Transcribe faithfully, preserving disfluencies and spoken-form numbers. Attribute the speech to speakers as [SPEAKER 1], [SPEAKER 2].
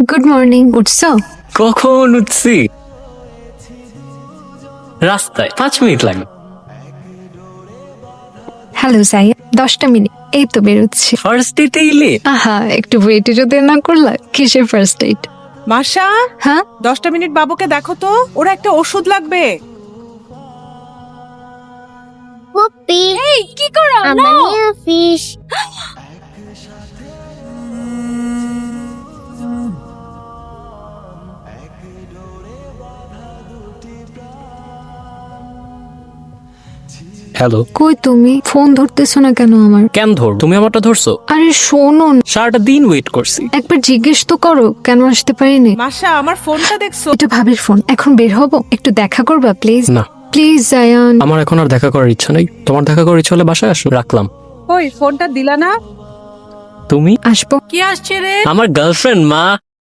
[SPEAKER 1] Good morning. উঠছো?
[SPEAKER 2] কখন উঠছি? রাস্তায় পাঁচ মিনিট লাগে।
[SPEAKER 1] হ্যালো সাইয়া, দশটা মিনিট এই তো বেরোচ্ছি।
[SPEAKER 2] ফার্স্ট ডেটে এলে?
[SPEAKER 1] আহা, একটু ওয়েটে যদি না করলা, কিসের ফার্স্ট ডেট?
[SPEAKER 3] মাসা,
[SPEAKER 1] হ্যাঁ,
[SPEAKER 3] দশটা মিনিট বাবুকে দেখো তো, ওরা একটা ওষুধ লাগবে।
[SPEAKER 4] পুপি
[SPEAKER 1] এই কি করো?
[SPEAKER 4] আমার নিয়ে ফিশ
[SPEAKER 2] হ্যালো,
[SPEAKER 1] কই তুমি? ফোন ধরতেছো না কেন আমার?
[SPEAKER 2] কেন ধর? তুমি আমারটা ধরছো?
[SPEAKER 1] আরে শোনো না,
[SPEAKER 2] সারাটা দিন ওয়েট করছি।
[SPEAKER 1] একবার জিজ্ঞেস তো করো কেন আসতে পারিনি।
[SPEAKER 3] মাসা, আমার ফোনটা দেখছো?
[SPEAKER 1] এটা ভাবির ফোন। এখন বের হবো, একটু দেখা করবা প্লিজ?
[SPEAKER 2] না,
[SPEAKER 1] প্লিজ জায়ান।
[SPEAKER 2] আমার এখন আর দেখা করার ইচ্ছা নেই। তোমার দেখা করার ইচ্ছা হলে বাসায় আসো। রাখলাম।
[SPEAKER 3] ওই ফোনটা দিলা না?
[SPEAKER 2] তুমি?
[SPEAKER 1] আসবো।
[SPEAKER 3] কি আসছে রে?
[SPEAKER 2] আমার গার্লফ্রেন্ড মা।